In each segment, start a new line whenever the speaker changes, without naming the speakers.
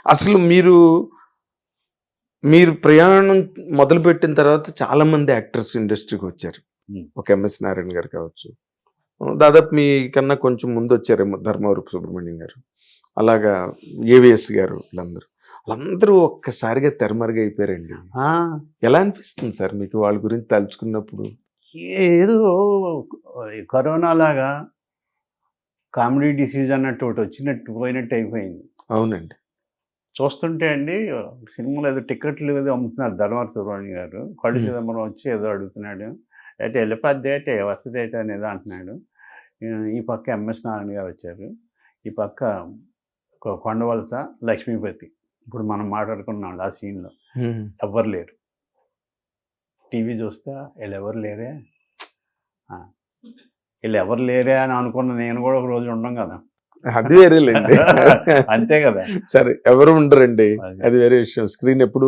అసలు మీరు ప్రయాణం మొదలుపెట్టిన తర్వాత చాలా మంది యాక్టర్స్ ఇండస్ట్రీకి వచ్చారు. ఒక ఎంఎస్ నారాయణ గారు కావచ్చు, దాదాపు మీ కన్నా కొంచెం ముందు వచ్చారేమో ధర్మవరపు సుబ్రహ్మణ్యం గారు, అలాగా ఏవిఎస్ గారు, వాళ్ళందరూ ఒక్కసారిగా తెరమరుగైపోయారండి. ఎలా అనిపిస్తుంది సార్ మీకు వాళ్ళ గురించి తలుచుకున్నప్పుడు?
ఏదో కరోనా లాగా కామెడీ డిసీజ్ అన్నట్టు ఒకటి వచ్చినట్టు పోయినట్టు అయిపోయింది.
అవునండి.
చూస్తుంటే అండి సినిమాలో ఏదో టికెట్లు ఏదో అమ్ముతున్నారు ధర్మవర సుబ్రహ్మణ్యం గారు, కళ్ళు చిదంబరం వచ్చి ఏదో అడుగుతున్నాడు, అయితే వెళ్ళిపోద్ది అంటే వస్తుంది అయితే అని ఏదో అంటున్నాడు. ఈ పక్క ఎంఎస్ నారాయణ గారు వచ్చారు, ఈ పక్క కొండవలస లక్ష్మీపతి. ఇప్పుడు మనం మాట్లాడుకున్నాం ఆ సీన్లో ఎవ్వరు లేరు. టీవీ చూస్తా వీళ్ళు ఎవరు లేరే అని అనుకున్న నేను కూడా ఒక రోజు ఉండం కదా,
అది వేరేలేండి.
అంతే కదా.
సరే, ఎవరు ఉండరండి, అది వేరే విషయం. స్క్రీన్ ఎప్పుడు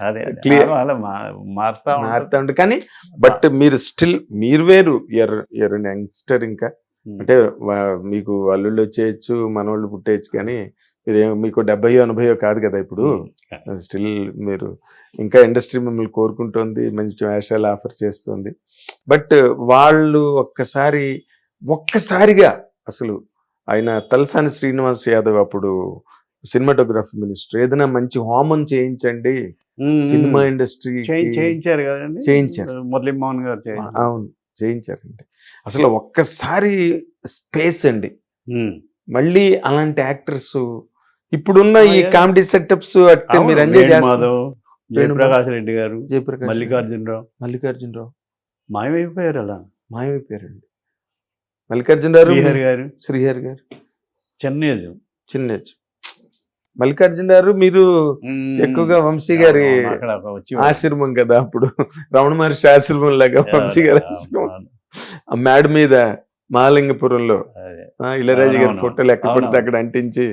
మారుతా
ఉంటుంది. కానీ బట్ మీరు స్టిల్ మీరు వేరు, యంగ్స్టర్. ఇంకా అంటే మీకు అల్లుళ్ళు వచ్చేయచ్చు, మనోళ్ళు పుట్టేయచ్చు, కానీ మీకు 70-80 కాదు కదా ఇప్పుడు. స్టిల్ మీరు ఇంకా ఇండస్ట్రీ మిమ్మల్ని కోరుకుంటోంది, మంచి వేషాలు ఆఫర్ చేస్తుంది. బట్ వాళ్ళు ఒక్కసారిగా అసలు ఆయన తలసాని శ్రీనివాస్ యాదవ్ అప్పుడు సినిమాటోగ్రఫీ మినిస్టర్, ఏదైనా మంచి హోమం చేయించండి సినిమా ఇండస్ట్రీ
చేయించారు కదండి,
చేయించారు
మురళీమోహన్ గారు.
అవును, చేయించారండి. అసలు ఒక్కసారి స్పేస్ అండి. మళ్ళీ అలాంటి యాక్టర్స్ ఇప్పుడున్న ఈ కామెడీ సెటప్స్ అంటే మీరు ఎంజాయ్ చేస్తారు.
జయప్రకాష్ రెడ్డి గారు, మల్లికార్జునరావు మాయమైపోయారు. అలా
మాయమైపోయారండి. మల్లికార్జునరావు
గారు,
శ్రీహరి గారు చిన్న మల్లికార్జున గారు మీరు ఎక్కువగా వంశీ గారి ఆశ్రమం కదా, అప్పుడు రమణ మహర్షి ఆశ్రమం లాగా వంశీ గారి ఆశ్రమం మేడ మీద మహాలింగపురంలో ఇళయరాజు గారి ఫోటోలు ఎక్కడ పడితే అక్కడ అంటించి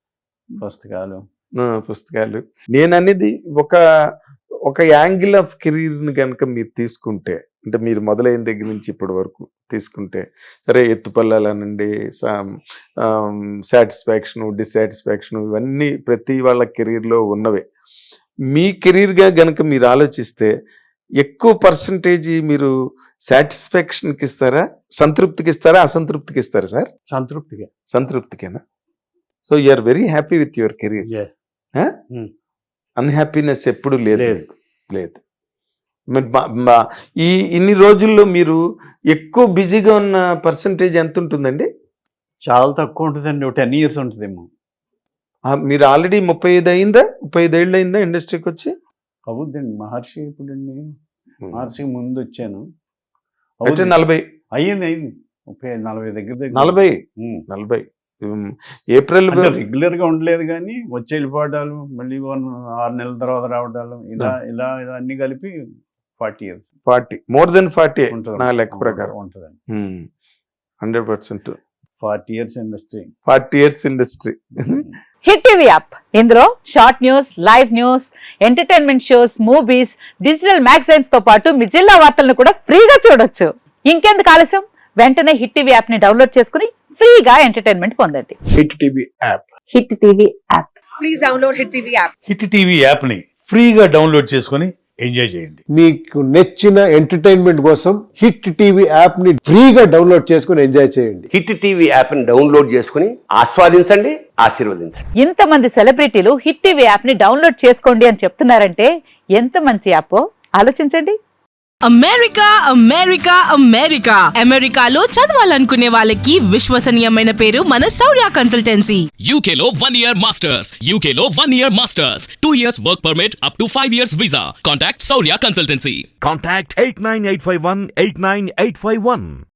పుస్తకాలు. నేను అనేది ఒక యాంగిల్ ఆఫ్ కెరీర్ ని కనుక మీరు తీసుకుంటే, అంటే మీరు మొదలైన దగ్గర నుంచి ఇప్పటి వరకు తీసుకుంటే, సరే ఎత్తుపల్లాలనండి, సాటిస్ఫాక్షన్, డిస్సాటిస్ఫాక్షన్, ఇవన్నీ ప్రతి వాళ్ళ కెరీర్లో ఉన్నవే. మీ కెరీర్గా గనక మీరు ఆలోచిస్తే ఎక్కువ పర్సంటేజ్ మీరు సాటిస్ఫాక్షన్కి ఇస్తారా, సంతృప్తికి ఇస్తారా, అసంతృప్తికి ఇస్తారా సార్? సంతృప్తికేనా? So you are very happy with your career. Unhappiness ఎప్పుడు లేదు. ఇన్ని రోజుల్లో మీరు ఎక్కువ బిజీగా ఉన్న పర్సంటేజ్ ఎంత ఉంటుందండి?
చాలా తక్కువ ఉంటుందండి, 10 years ఉంటుందేమో.
మీరు ఆల్రెడీ 35 అయిందా, 35 ఏళ్ళు అయిందా ఇండస్ట్రీకి వచ్చి?
అవుద్దండి. మహర్షి ఇప్పుడండి, మహర్షికి ముందు వచ్చాను.
40
అయ్యింది 35-40 దగ్గర
40 ఏప్రిల్
రెగ్యులర్ గా ఉండలేదు, కానీ వచ్చి వెళ్ళిపోవడాలు, మళ్ళీ 6 నెలల తర్వాత రావడాలు, ఇలా అన్ని కలిపి 40
మోర్ దెన్ 40 నా లెక్క ప్రకారం
ఉంటుందండి.
100%
40 years ఇండస్ట్రీ.
హిట్ టీవీ యాప్, ఇందులో short news, live news, entertainment shows, movies, digital magazines తో పాటు మీ జిల్లా వార్తలను కూడా ఫ్రీగా చూడొచ్చు. ఇంకెందుకు ఆలస్యం, వెంటనే హిట్ టీవీ యాప్ ని డౌన్లోడ్ చేసుకుని ఫ్రీగా ఎంటర్టైన్మెంట్ పొందండి.
Hit TV app.
Please download hit TV app.
Hit TV app ని ఫ్రీగా డౌన్లోడ్ చేసుకుని ఎంజాయ్ చేయండి.
మీకు నచ్చిన ఎంటర్టైన్మెంట్ కోసం హిట్ టీవీ యాప్ ని ఫ్రీగా డౌన్లోడ్ చేసుకుని ఎంజాయ్ చేయండి.
హిట్ టీవీ యాప్ ని డౌన్లోడ్ చేసుకుని ఆస్వాదించండి, ఆశీర్వదించండి.
ఇంతమంది సెలబ్రిటీలు హిట్ టీవీ యాప్ ని డౌన్లోడ్ చేసుకోండి అని చెప్తున్నారంటే ఎంత మంచి యాప్ ఆలోచించండి.
అమెరికాలో చదవాలనుకునే వాళ్ళకి విశ్వసనీయమైన పేరు మన శౌర్య కన్సల్టెన్సీ.
UK లో 1 year masters, 2 years work permit up to 5 years visa. Contact Saurya Consultancy.
Contact 89851 89851.